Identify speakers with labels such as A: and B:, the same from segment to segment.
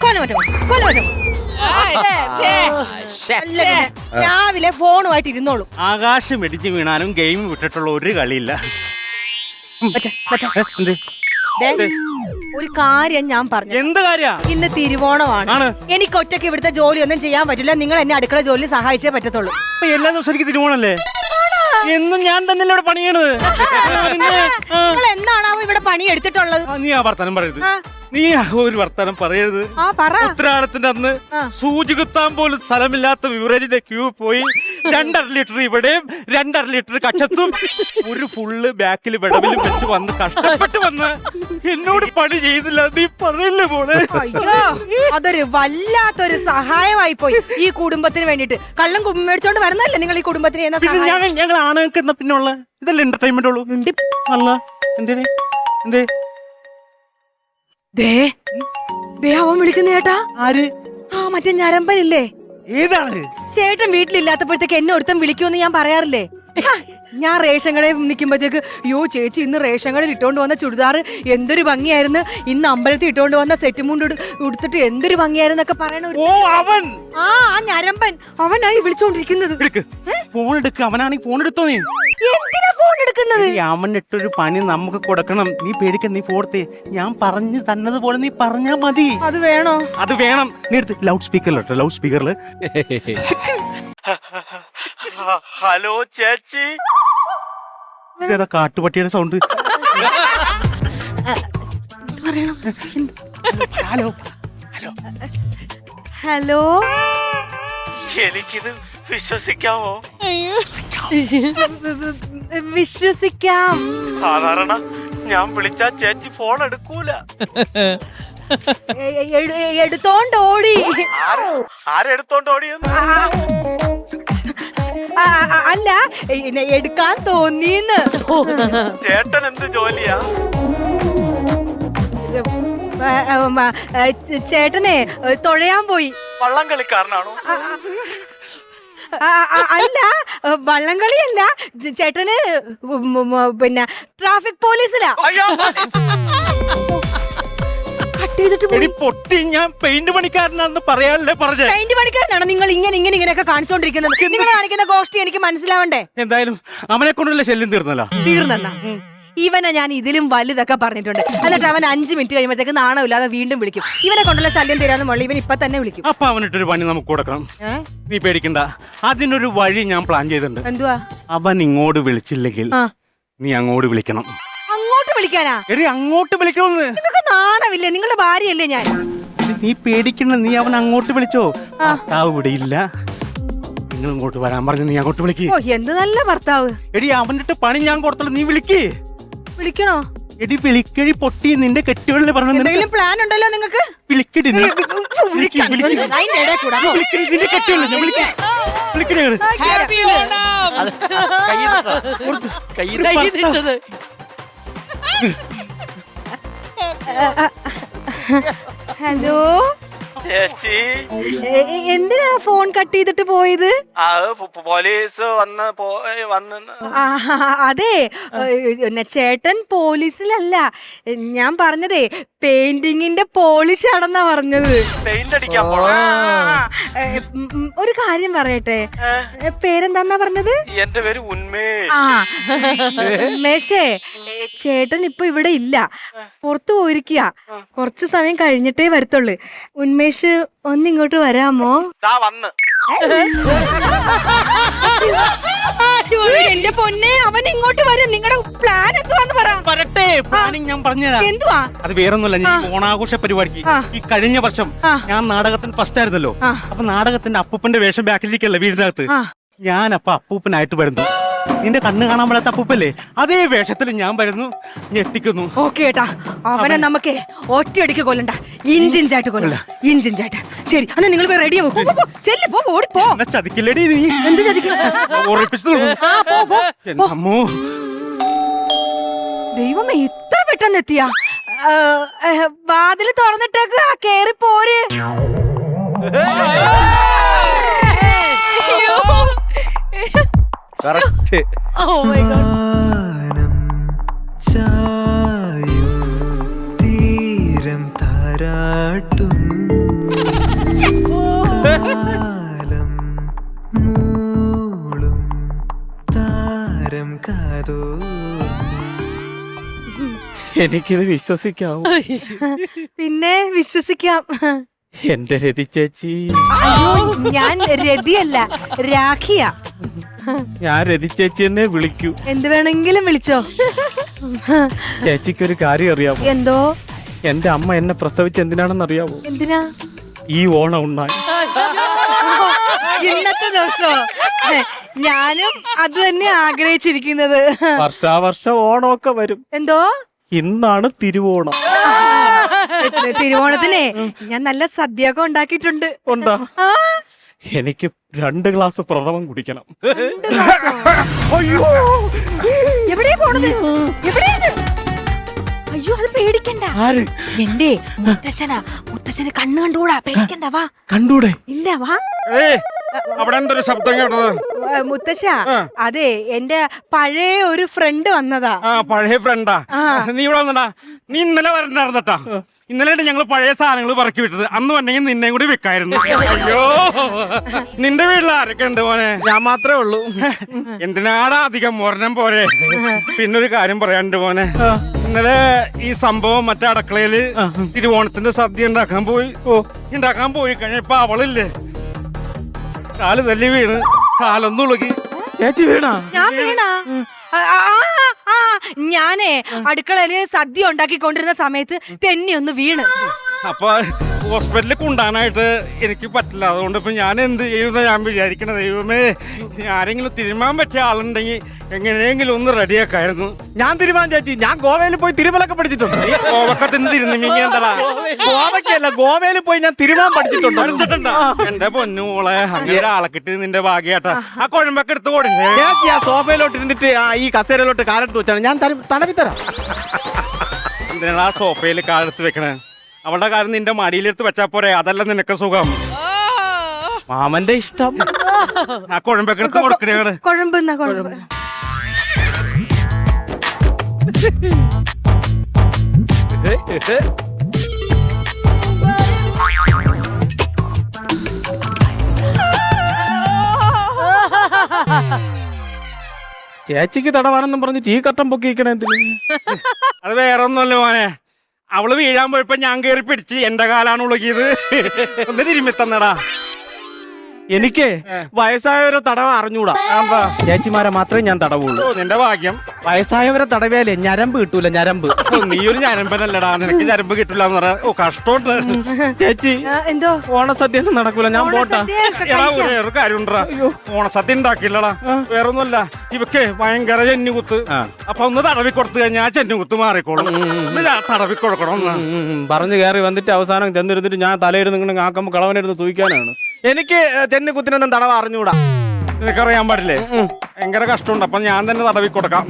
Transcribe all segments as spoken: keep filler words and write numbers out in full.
A: രാവിലെ ഫോണുമായിട്ട് ഇരുന്നോളൂ.
B: ആകാശം ഇടിച്ചു വീണാലും ഗെയിം വിട്ടിട്ടുള്ള ഒരു കളിയില്ല.
A: ഒരു കാര്യം ഞാൻ പറഞ്ഞു.
B: എന്ത് കാര്യ?
A: ഇന്ന് തിരുവോണമാണ്. എനിക്ക് ഒറ്റയ്ക്ക് ഇവിടുത്തെ ജോലി ഒന്നും ചെയ്യാൻ പറ്റില്ല. നിങ്ങൾ എന്നെ അടുക്കള ജോലി സഹായിച്ചേ പറ്റത്തുള്ളൂ.
B: എല്ലാ ദിവസം എനിക്ക് തിരുവോണല്ലേ? എന്നും ഞാൻ തന്നെയല്ലേ ഇവിടെ പണിയണത്.
A: നിങ്ങൾ എന്നാണാവോ ഇവിടെ പണി എടുത്തിട്ടുള്ളത്?
B: നീ ആ വർത്താനം പറയരുത്. നീ ഒരു വർത്താനം പറയരുത്. ഉത്തരാടത്തിന്റെ അന്ന് സൂചി കുത്താൻ പോലും സ്ഥലമില്ലാത്ത ബിവറേജിന്റെ ക്യൂ പോയി രണ്ടര ലിറ്റർ ഇവിടെയും രണ്ടര ലിറ്റർ കച്ചത്തും ഒരു ഫുള്ള് ബാക്കിൽ വിടവിലും വെച്ച് വന്ന് കഷ്ടപ്പെട്ട് വന്ന് എന്നോട് പണി ചെയ്തില്ല. നീ പറയില്ലേ പോലെ?
A: അയ്യോ, അതൊരു വല്ലാത്തൊരു സഹായമായി പോയി ഈ കുടുംബത്തിന് വേണ്ടിട്ട്. കള്ളം മേടിച്ചോണ്ട് വരുന്നല്ലേ നിങ്ങൾ ഈ കുടുംബത്തിന്?
B: ഞങ്ങൾ ആണുങ്ങൾക്ക് എന്നാ പിന്നുള്ള ഇതല്ലേ എന്റർടൈൻമെന്റ് ഉള്ളൂ. അല്ല എന്തേ എന്തേ
A: ദേ ദേ അവൻ വിളിക്കുന്ന ചേട്ടാ.
B: ആര്?
A: ആ മറ്റേ ഞരമ്പനില്ലേ?
B: ഏതാണ്?
A: ചേട്ടൻ വീട്ടിലില്ലാത്തപ്പോഴത്തേക്ക് എന്നെ ഒരുത്തം വിളിക്കുമെന്ന് ഞാൻ പറയാറില്ലേ? ഞാൻ റേഷൻ കടയിൽ നിൽക്കുമ്പോഴത്തേക്ക് യോ ചേച്ചി ഇന്ന് റേഷൻ കടയിൽ ഇട്ടോണ്ട് വന്ന ചുടിദാർ എന്തൊരു ഭംഗിയായിരുന്നു, ഇന്ന് അമ്പലത്തിൽ ഇട്ടോണ്ട് വന്ന സെറ്റ് മുണ്ട് ഉടുത്തിട്ട് എന്തൊരു ഭംഗിയായിരുന്നൊക്കെ പറയണ.
B: ഓ അവൻ,
A: ആ ആ ഞരമ്പൻ അവനായി വിളിച്ചോണ്ടിരിക്കുന്നത്.
B: ഫോൺ എടുക്ക. അവനാണെങ്കിൽ ഫോൺ എടുത്തോ? നീ
A: എന്തിനാ ഫോൺ എടുക്കുന്നത്?
B: അവനിട്ടൊരു പണി നമുക്ക് കൊടുക്കണം. നീ പേടിക്ക. നീ ഫോർത്തേ ഞാൻ പറഞ്ഞു തന്നതുപോലെ നീ പറഞ്ഞാ മതി.
A: അത് വേണോ?
B: അത് വേണം. നീ എടുത്ത് ലൗഡ് സ്പീക്കറിലിട്ടോ. ലൗഡ് സ്പീക്കറിൽ ഹലോ ചേച്ചി. ഇതേതാ കാട്ടുപട്ടിയുടെ സൗണ്ട്? Hello hello
A: hello.
B: എനിക്കിത് വിശ്വസിക്കാമോ?
A: വിശ്വസിക്കാം.
B: സാധാരണ ഞാൻ വിളിച്ചാ ചേച്ചി ഫോൺ എടുക്കൂല.
A: എടുത്തോണ്ട് ഓടി.
B: ആരെടുത്തോണ്ട് ഓടിയെന്ന്?
A: അല്ല, എടുക്കാൻ തോന്നിന്ന്.
B: ചേട്ടൻ എന്ത് ജോലിയാ?
A: ചേട്ടനെ തൊഴയാൻ പോയി.
B: വള്ളം കളിക്കാരനാണോ?
A: അല്ല, വള്ളംകളിയല്ല. ചേട്ടന് പിന്നെ ട്രാഫിക് പോലീസിലാ.
B: പൊട്ടി ഞാൻ പെയിന്റ് പണിക്കാരനാണെന്ന് പറയാനല്ലേ പറഞ്ഞേ?
A: പെയിന്റ് പണിക്കാരനാണോ നിങ്ങൾ? ഇങ്ങനെ ഇങ്ങനെ ഇങ്ങനെയൊക്കെ കാണിച്ചോണ്ടിരിക്കുന്നത് നിങ്ങൾ കാണിക്കുന്ന ഗോഷ്ടി എനിക്ക് മനസ്സിലാവണ്ടേ?
B: എന്തായാലും അവനെ കൊണ്ടുള്ള ശല്യം തീർന്നല്ലോ.
A: തീർന്നല്ല. ഇവനെ ഞാൻ ഇതിലും വലുതൊക്കെ പറഞ്ഞിട്ടുണ്ട്. എന്നിട്ട് അവൻ അഞ്ചു മിനിറ്റ് കഴിയുമ്പോഴത്തേക്ക് നാണമില്ലാതെ വീണ്ടും വിളിക്കും. ഇവനെ കൊണ്ടുള്ള ശല്യം തീരാന്ന് മുള്ള ഇവൻ ഇപ്പൊ തന്നെ വിളിക്കും.
B: അപ്പൊ അവനിട്ടൊരു പണി നമുക്ക് കൊടുക്കണം. നീ പേടിക്കണ്ട. അതിനൊരു വഴി ഞാൻ പ്ലാൻ ചെയ്തിട്ടുണ്ട്.
A: എന്തുവാ?
B: അവൻ ഇങ്ങോട്ട് വിളിച്ചില്ലെങ്കിൽ നീ അങ്ങോട്ട് വിളിക്കണം.
A: അങ്ങോട്ട് വിളിക്കാനാ?
B: എടി അങ്ങോട്ട് വിളിക്കണമെന്ന്.
A: നിങ്ങൾക്ക് നാണമില്ലേ? നിങ്ങളുടെ ഭാര്യയല്ലേ ഞാൻ.
B: നീ പേടിക്കണ്ട. നീ അവൻ അങ്ങോട്ട് വിളിച്ചോ. ഭർത്താവ് ഇവിടെ ഇല്ല. നിങ്ങൾ ഇങ്ങോട്ട് വരാൻ പറഞ്ഞു. നീ അങ്ങോട്ട് വിളിക്ക്.
A: ഓ എന്ത് നല്ല ഭർത്താവ്.
B: എടി അവന്റെ പണി ഞാൻ കൊടുത്തല്ലോ. നീ വിളിക്ക്.
A: വിളിക്കണോ?
B: എടി വിളിക്കടി പൊട്ടി. നിന്റെ കെട്ടിയോളിനെ പറഞ്ഞു.
A: എന്തെങ്കിലും പ്ലാൻ ഉണ്ടല്ലോ നിങ്ങൾക്ക്?
B: വിളിക്കടി.
A: ഹലോ
B: ചേച്ചി,
A: എന്തിനാ ഫോൺ കട്ട് ചെയ്തിട്ട് പോയത്?
B: പോലീസ് വന്ന് വന്ന്
A: അതെ, ചേട്ടൻ പോലീസിലല്ല. ഞാൻ പറഞ്ഞതേ പെയിന്റിങ്ങിന്റെ പോളിഷ് ആണെന്നാ പറഞ്ഞത്. ഒരു കാര്യം പറയട്ടെ, പേരെന്താന്നാ പറഞ്ഞത്?
B: എന്റെ പേര് ഉന്മേഷ്.
A: ആ ഉന്മേഷേ, ചേട്ടൻ ഇപ്പൊ ഇവിടെ ഇല്ല, പുറത്തു പോയിരിക്കുക. കുറച്ചു സമയം കഴിഞ്ഞിട്ടേ വരത്തുള്ളു. ഉന്മേഷ് ഒന്നിങ്ങോട്ട് വരാമോ?
B: വന്ന്
A: എന്റെ പൊന്നെ, അവൻ ഇങ്ങോട്ട് വരും. നിങ്ങളുടെ പ്ലാൻ എന്തുവാന്ന് പറ.
B: പറട്ടെ, പ്ലാനിങ് ഞാൻ പറഞ്ഞുതരാം.
A: എന്തുവാ?
B: അത് വേറൊന്നുമല്ല. ഞാൻ ഓണാഘോഷ പരിപാടിക്ക് ഈ കഴിഞ്ഞ വർഷം ഞാൻ നാടകത്തിന് ഫസ്റ്റ് ആയിരുന്നല്ലോ. അപ്പൊ നാടകത്തിന്റെ അപ്പൂപ്പന്റെ വേഷം ബാക്കിലേക്കല്ല വീടിനകത്ത്. ഞാൻ അപ്പൊ അപ്പൂപ്പനായിട്ട് വരുന്നു. നിന്റെ കണ്ണ് കാണാൻ പാടാത്ത അപ്പൂപ്പല്ലേ, അതേ വേഷത്തിൽ ഞാൻ വരുന്നു, ഞെട്ടിക്കുന്നു.
A: ഓക്കെ ഏട്ടാ, അവനെ നമുക്ക് ഒറ്റയടിക്ക് കൊല്ലണ്ട. ഇഞ്ചിഞ്ചായിട്ട് കൊല്ലണ്ട. ഇഞ്ചിഞ്ചായിട്ട്. ശരി, അന്ന് നിങ്ങൾ പോയി റെഡി ആവും. ഓടിപ്പോ.
B: ചതിക്കില്ലടി നീ.
A: എന്ത് ചതിക്കും? ദൈവമേ, ഇത്ര പെട്ടെന്ന് എത്തിയാ? വാതില് തുറന്നിട്ടേക്ക്, കേറി പോര്.
B: കറക്റ്റ്.
A: Oh my God.
C: ചായും തീരം താരാട്ടും കാലം മൂളും താരം കാതോ
B: എനിക്കിത് വിശ്വസിക്കാവൂ?
A: പിന്നെ വിശ്വസിക്കാം.
B: എന്റെ രതി ചേച്ചി.
A: അയ്യോ, ഞാൻ രതിയല്ല, രാഖിയാ.
B: ഞാൻ രതി ചേച്ചി എന്നെ വിളിക്കൂ.
A: എന്ത് വേണമെങ്കിലും വിളിച്ചോ.
B: ചേച്ചിക്കൊരു കാര്യം അറിയാമോ?
A: എന്തോ?
B: എന്റെ അമ്മ എന്നെ പ്രസവിച്ച് എന്തിനാണെന്ന് അറിയാമോ?
A: എന്തിനാ?
B: ഈ ഓണം ഉണ്ടായി.
A: ഇന്നത്തെ ദിവസോ? ഞാനും അത് തന്നെ ആഗ്രഹിച്ചിരിക്കുന്നത്.
B: വർഷാവർഷം ഓണമൊക്കെ വരും.
A: എന്തോ?
B: ഇന്നാണ് തിരുവോണം.
A: തിരുവോണത്തിനെ ഞാൻ നല്ല സദ്യയൊക്കെ ഉണ്ടാക്കിയിട്ടുണ്ട്.
B: ഉണ്ടാ? എനിക്ക് രണ്ട് ഗ്ലാസ് പ്രഥമം കുടിക്കണം.
A: അയ്യോ, എവിടെയാ പോണത്? എവിടെയാണ്? അയ്യോ, അത് പേടിക്കണ്ട.
B: ആര്?
A: എന്റെ മുത്തശ്ശനാ. മുത്തശ്ശന് കണ്ണു കണ്ടുകൂടാ. പേടിക്കണ്ട, വാ.
B: കണ്ടൂടെ?
A: ഇല്ല, വാ.
B: അവിടെ എന്തൊരു ശബ്ദം കേട്ടത്?
A: മുത്തശ്ശ, അതെ, എന്റെ പഴയ ഒരു ഫ്രണ്ട് വന്നതാ.
B: ആ, പഴയ ഫ്രണ്ടാ? നീ ഇവിടെ വന്നടാ. നീ ഇന്നലെ വരണ്ടായിരുന്നട്ടാ. ഇന്നലെ ഞങ്ങൾ പഴയ സാധനങ്ങൾ പറക്കി വിട്ടത്. അന്ന് വന്നെങ്കിൽ നിന്നെയും കൂടി വെക്കായിരുന്നു. അയ്യോ, നിന്റെ വീട്ടിൽ ആരൊക്കെ ഉണ്ട് മോനെ? ഞാൻ മാത്രമേ ഉള്ളൂ. എന്തിനാടാ അധികം മോരണം പോലെ. പിന്നൊരു കാര്യം പറയാനുണ്ട് മോനെ. ഇന്നലെ ഈ സംഭവം മറ്റേ അടുക്കളയില് തിരുവോണത്തിന്റെ സദ്യ ഉണ്ടാക്കാൻ പോയി. ഓ, ഉണ്ടാക്കാൻ പോയി കഴിഞ്ഞപ്പോ അവളില്ലേ, കാല് തല്ലി വീണ് കാലൊന്നും ഉളുകി. ചേച്ചി വീണാ?
A: ഞാൻ വീണാ? ഞാനേ അടുക്കളയില് സദ്യ ഉണ്ടാക്കിക്കൊണ്ടിരുന്ന സമയത്ത് തെന്നി ഒന്ന് വീണ്.
B: അപ്പൊ ഹോസ്പിറ്റലിൽ കൊണ്ടാനായിട്ട് എനിക്ക് പറ്റില്ല. അതുകൊണ്ട് ഇപ്പൊ ഞാൻ എന്ത് ചെയ്യുന്ന ഞാൻ വിചാരിക്കണ, ദൈവമേ, ആരെങ്കിലും തിരുമാൻ പറ്റിയ ആളുണ്ടെങ്കിൽ എങ്ങനെയെങ്കിലും ഒന്ന് റെഡിയാക്കായിരുന്നു.
D: ഞാൻ തിരുമാൻ ചേച്ചി. ഞാൻ ഗോവയിൽ പോയി തിരുമലൊക്കെ പഠിച്ചിട്ടുണ്ട്.
B: ഗോവക്ക തിന്ന് തിരുന്നിങ്ങി എന്താ?
D: ഗോവയ്ക്കല്ല, ഗോവയിൽ പോയി ഞാൻ തിരുമാൻ പഠിച്ചിട്ടുണ്ട്.
B: പഠിച്ചിട്ടുണ്ടോ? എന്റെ പൊന്നുമോളെ, അങ്ങനെ ഒരാളെ കിട്ടി നിന്റെ ഭാഗ്യാട്ടാ. ആ കുഴമ്പൊക്കെ എടുത്ത് കൊടുക്കേ.
D: ചേച്ചി ആ സോഫയിലോട്ട് ഇരുന്നിട്ട് ആ ഈ കസേരയിലോട്ട് കാലെടുത്ത് വെച്ചാണ് ഞാൻ തടവി തരാം.
B: എന്തിനാ ആ സോഫയിൽ കാലെടുത്ത് വെക്കണേ? അവളുടെ കാര്യം നിന്റെ മടിയിലെടുത്ത് വെച്ചാ പോരെ? അതല്ല നിനക്ക് സുഖം.
D: മാമന്റെ ഇഷ്ടം.
B: ആ കുഴമ്പൊക്കെ എടുത്ത് കൊടുക്കണേ.
A: കുഴമ്പ് എന്നാ കുഴമ്പ്?
D: ചേച്ചിക്ക് തടവാണെന്നും പറഞ്ഞിട്ട് ഈ കട്ടം പൊക്കിക്കണേ എന്തിന്?
B: അത് വേറെ ഒന്നുമല്ല മോനെ. അവള് വീഴാൻ പോയപ്പോ ഞാൻ കേറി പിടിച്ച് എന്റെ കാലാണ് ഉളകിയത്. ഒന്ന് തിരുമ്മി തന്നടാ.
D: എനിക്ക് വയസ്സായവരെ തടവ അറിഞ്ഞൂടാ. ചേച്ചിമാരെ മാത്രമേ ഞാൻ തടവുള്ളൂ.
B: നിന്റെ ഭാഗ്യം.
D: വയസ്സായവരെ തടവിയാലേ ഞരമ്പ് കിട്ടൂല. ഞരമ്പ്.
B: നീ ഒരു ഞരമ്പനല്ലടാ, നിനക്ക് ഞരമ്പ് കിട്ടില്ല എന്ന് പറയാ. ഓ, കഷ്ടമുണ്ട്
D: ചേച്ചി.
A: എന്തോ?
D: ഓണസദ്യ ഒന്നും നടക്കൂല. ഞാൻ പോട്ടാ.
B: എടാ, വേറൊരു കാര്യം ഉണ്ടാ. ഓണസദ്യ ഉണ്ടാക്കില്ലടാ. വേറൊന്നുമല്ല, ഇവക്ക് ഭയങ്കര ചെന്നുകുത്ത്. അപ്പൊ ഒന്ന് തടവി കൊടുത്തു കഴിഞ്ഞാൽ ആ ചെന്നുകുത്ത് മാറിക്കോളും. തടവി കൊടുക്കണം.
D: പറഞ്ഞു കയറി വന്നിട്ട് അവസാനം ചെന്നിരുന്നിട്ട് ഞാൻ തലയിരുന്ന് ഇങ്ങനെ ആക്കുമ്പോ കളവനിരുന്ന് സൂയിക്കാനാണ്. എനിക്ക് ചെന്നി കുത്തിനൊന്നും തടവ അറിഞ്ഞൂടാ.
B: നിനക്കറിയാൻ പാടില്ലേ? ഭയങ്കര കഷ്ടമുണ്ട്. അപ്പൊ ഞാൻ തന്നെ തടവി കൊടുക്കാം.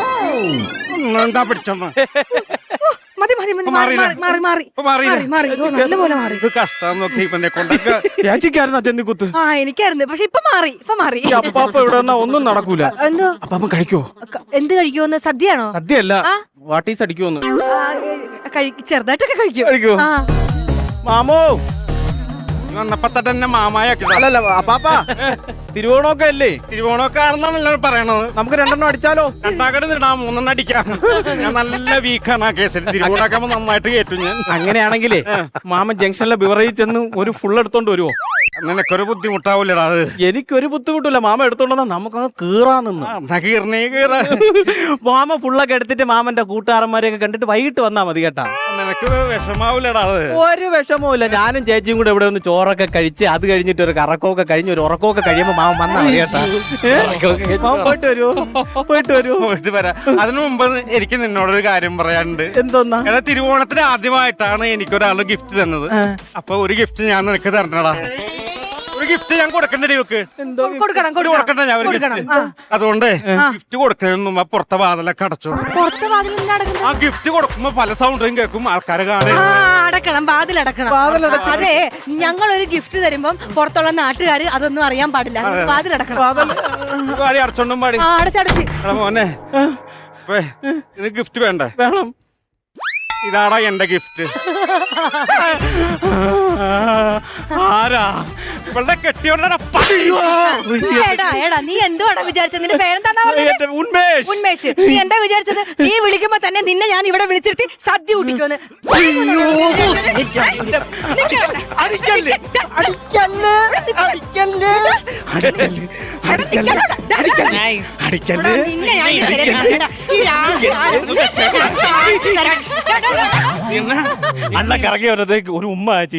B: എന്താ പിടിച്ചോന്ന്?
A: മതി മതി മതി, മാറി മാറി മാറി മാറി മാറി മാറി ഓ, നല്ലപോലെ മാറി.
B: ഇത് കഷ്ടം നോക്കി ഇവനെ കൊണ്ടൊക്കെ.
D: ചേച്ചിക്കായിരുന്നു ചെന്നിക്കുത്ത്.
A: ആ, എനിക്കായിരുന്നു. പക്ഷെ ഇപ്പൊ മാറി, ഇപ്പൊ മാറി.
D: അപ്പാപ്പ ഇവിടെ വന്നാ ഒന്നും നടക്കൂല.
A: എന്തോ?
D: അപ്പാപ്പ കഴിക്കോ?
A: ക- എന്ത് കഴിക്കുമെന്ന്? സദ്യയാണോ?
D: സദ്യയല്ല, വാട്ടീസ് അടിക്കുമെന്ന്.
A: ആ, ഏ, കഴി- ചെറുതായിട്ടൊക്കെ കഴിക്കും.
D: കഴിക്കോ?
A: ആ.
D: മാമോ
B: വന്നപ്പോ തന്നെ മാമായാക്കി.
D: അല്ലല്ല അപ്പാപ്പ, തിരുവോണമൊക്കെ അല്ലേ?
B: തിരുവോണമൊക്കെ ആണെന്നാണല്ലോ പറയണത്.
D: നമുക്ക് രണ്ടെണ്ണം അടിച്ചാലോ?
B: രണ്ടാക്കടെ നിടാം, മൂന്നെണ്ണം അടിക്കാം. ഞാൻ നല്ല വീക്കാണ് ആ കേസിൽ. തിരുവോണാക്കുമ്പോ നന്നായിട്ട് കേട്ടു ഞാൻ.
D: അങ്ങനെയാണെങ്കിലേ മാമൻ ജംഗ്ഷനിലെ ബിവറേജ് ചെന്ന് ഒരു ഫുൾ എടുത്തോണ്ട് വരുവോ?
B: നിനക്കൊരു ബുദ്ധിമുട്ടാവൂലടാ അത്.
D: എനിക്കൊരു ബുദ്ധിമുട്ടില്ല. മാമ എടുത്തോണ്ടെന്നാ നമുക്കങ്ങ് കീറാ നിന്ന്.
B: എന്നാ കീർണേ കീറ.
D: മാമ ഫുള്ളൊക്കെ എടുത്തിട്ട് മാമന്റെ കൂട്ടുകാരന്മാരെയൊക്കെ കണ്ടിട്ട് വൈകിട്ട് വന്നാ മതി കേട്ടാ.
B: നിനക്ക് വിഷമാവൂലടാ അത്.
D: ഒരു വിഷമവും ഇല്ല. ഞാനും ചേച്ചിയും കൂടെ ഇവിടെ ഒന്ന് ചോറൊക്കെ കഴിച്ച് അത് കഴിഞ്ഞിട്ട് ഒരു കറക്കമൊക്കെ കഴിഞ്ഞ് ഒരു ഉറക്കമൊക്കെ കഴിയുമ്പോ മാമ വന്നാ മതി കേട്ടാ. മാമ പോയിട്ട് വരുമോ? പോയിട്ട് വരുമോ?
B: പോയിട്ട് വരാം. അതിനു മുമ്പ് എനിക്ക് നിന്നോടൊരു കാര്യം പറയാനുണ്ട്.
D: എന്തോന്നാ?
B: എടാ, തിരുവോണത്തിന് ആദ്യമായിട്ടാണ് എനിക്കൊരാള് ഗിഫ്റ്റ് തന്നത്. അപ്പൊ ഒരു ഗിഫ്റ്റ് ഞാൻ നിനക്ക് തരണടാ. ഒരു ഗിഫ്റ്റ് ഞാൻ കൊടുക്കണ്ടേ ഇവക്ക്?
A: കൊടുക്കണം
B: കൊടുക്കണ്ട ഞാൻ ഒരു
A: കൊടുക്കണം.
B: ഗിഫ്റ്റ്. അതുകൊണ്ട് ഗിഫ്റ്റ് കൊടുക്കുന്നതിന് മുമ്പ് പുറത്തെ വാതിലൊക്കെ അടച്ചു.
A: പുറത്തെ വാതിൽ എന്തിനാ അടക്കുന്നത്?
B: ആ ഗിഫ്റ്റ് കൊടുക്കുമ്പോ പല സൗണ്ടും കേൾക്കും, ആൾക്കാര് കാണും.
A: ആ, അടക്കണം, വാതിൽ അടക്കണം. അതെ, ഞങ്ങൾ ഒരു ഗിഫ്റ്റ് തരുമ്പം പുറത്തുള്ള നാട്ടുകാര് അതൊന്നും അറിയാൻ പാടില്ല. വാതിൽ അടക്കണം.
B: പാടി അടച്ചോണ്ടും പാടി.
A: ആ, അടച്ചടച്ച്.
B: എടാ മോനെ, ഇത് ഗിഫ്റ്റ് വേണ്ടേ?
D: വേണം.
B: ഇതാടാ എന്റെ ഗിഫ്റ്റ്. ആരാ ഇവളുടെ കെട്ടിയോണ്ടാ?
A: എടാ എടാ നീ എന്തുവാടാ വിചാരിച്ചത്? നിന്റെ പേരെന്താ പറഞ്ഞത്?
B: ഉന്മേഷ്.
A: ഉന്മേഷ്. നീ എന്താ വിചാരിച്ചത്? നീ വിളിക്കുമ്പോ തന്നെ നിന്നെ ഞാൻ ഇവിടെ വിളിച്ചിരുത്തി സദ്യ കൂട്ടിക്കോന്ന്. നിന്നെ ഞാൻ ഇനി ശരിയാക്കാം. ഈ രാ-
D: അണ്ണ കറങ്ങി വന്നതേക്ക് ഒരു ഉമ്മ ആച്ചി.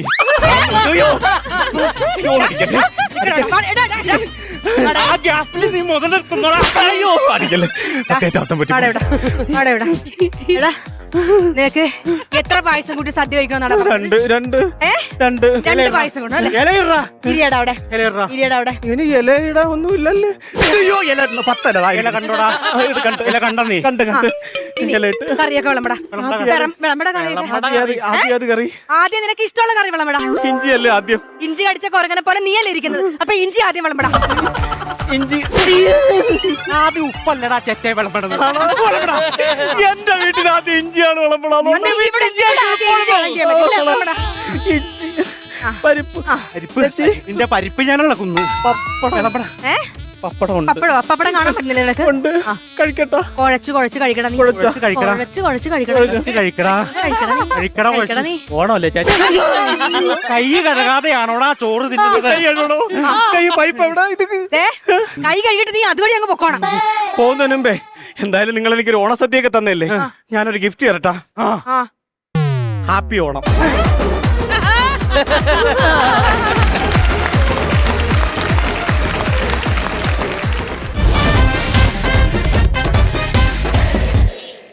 B: ആ ഗ്യാപ്പിൽ നീ മുതലെടുക്കുന്നോടാ.
D: അയ്യോ അടിക്കല്ലേ. സത്യാവത്തം പറ്റി.
A: ആടെ എവിടാ? ആടെ എവിടാ? എടാ നിനക്ക് എത്ര പായസം കൂട്ടി സദ്യ കഴിക്കണമെന്നാണ്
D: രണ്ട് രണ്ട്
A: ഏ
D: രണ്ട്
A: രണ്ട് പായസം കൊണ്ടു അല്ലേ?
B: ഇലയിടാ.
A: ഇരിയടാ അവിടെ,
B: ഇലയിടാ.
A: ഇരിയടാ അവിടെ.
D: ഇനി ഇലയിടാ ഒന്നും ഇല്ലല്ലേ. അയ്യോ ഇല ഇടുന്നു. പത്തല ദാ
B: ഇല കണ്ടോടാ. ഇല കണ്ട നീ.
D: കണ്ട് കണ്ട്
A: ഇനി
D: ഇല ഇട്ട്
A: കറിയൊക്കെ വിളമ്പടാ. വിളം- വിളമ്പടാ കറിയൊക്കെ.
D: ആദ്യം അത് ആദ്യം അത് കറി.
A: ആദ്യം നിനക്ക് ഇഷ്ടമുള്ള കറി വിളമ്പടാ.
D: ഇഞ്ചി അല്ലേ ആദ്യം.
A: ഇഞ്ചി കടിച്ച കൊരങ്ങനെ പോലെ നീയല്ലേ ഇരിക്കുന്നത്. അപ്പൊ ഇഞ്ചി ആദ്യം വിളമ്പടാ.
D: ഇഞ്ചി
B: ആദ്യം ഉപ്പല്ലടാ ചെറ്റേ വിളമ്പണത്.
D: എന്റെ വീട്ടിൽ ആദ്യം ഇഞ്ചിയാണ് വിളമ്പണം.
A: അന്ന് ഇവിടെ ഇവിടെ ആദ്യം ഇഞ്ചി വിളമ്പിയാ മതി. ഇല്ല, വിളമ്പടാ.
D: ഇഞ്ചി പരിപ്പ്
B: പരിപ്പ് നിന്റെ പരിപ്പ് ഞാനുള്ള കുന്നു.
D: പപ്പടം വിളമ്പണം.
A: ഏ
D: പപ്പടം ഉണ്ട്.
A: പപ്പടോ? പപ്പടം കാണാൻ പറ്റുന്നില്ല നിനക്ക്?
D: ഉണ്ട്. കഴിക്കട്ടോ.
A: കുഴച്ച് കുഴച്ച് കഴിക്കണം നീ.
B: കുഴച്ച് കഴിക്കടാ.
A: കുഴച്ച് കുഴച്ച് കഴിക്കണം.
B: കുറച്ച് കഴിക്കടാ.
A: കഴിക്കണം നീ.
B: കഴിക്കടാ
A: കഴിക്കടാ
B: കുറച്ച്.
A: നീ.
D: ഓണമല്ലേ ചേച്ചി?
B: കൈ കഴുകാതെയാണോടാ ചോറ് തിന്നുന്നത്?
D: കൈ കഴുകണോ? കൈ പൈപ്പ് എവിടെ? ഇത്
A: ദേ, കൈ കഴുകിട്ട് നീ അതുവഴി അങ്ങ് പൊക്കോണം.
D: പോകുന്നതിന് മുമ്പേ എന്തായാലും നിങ്ങൾ എനിക്കൊരു ഓണസദ്യയൊക്കെ തന്നല്ലേ, ഞാനൊരു ഗിഫ്റ്റ് തരട്ടാ.
A: ആ
D: ഹാപ്പി ഓണം.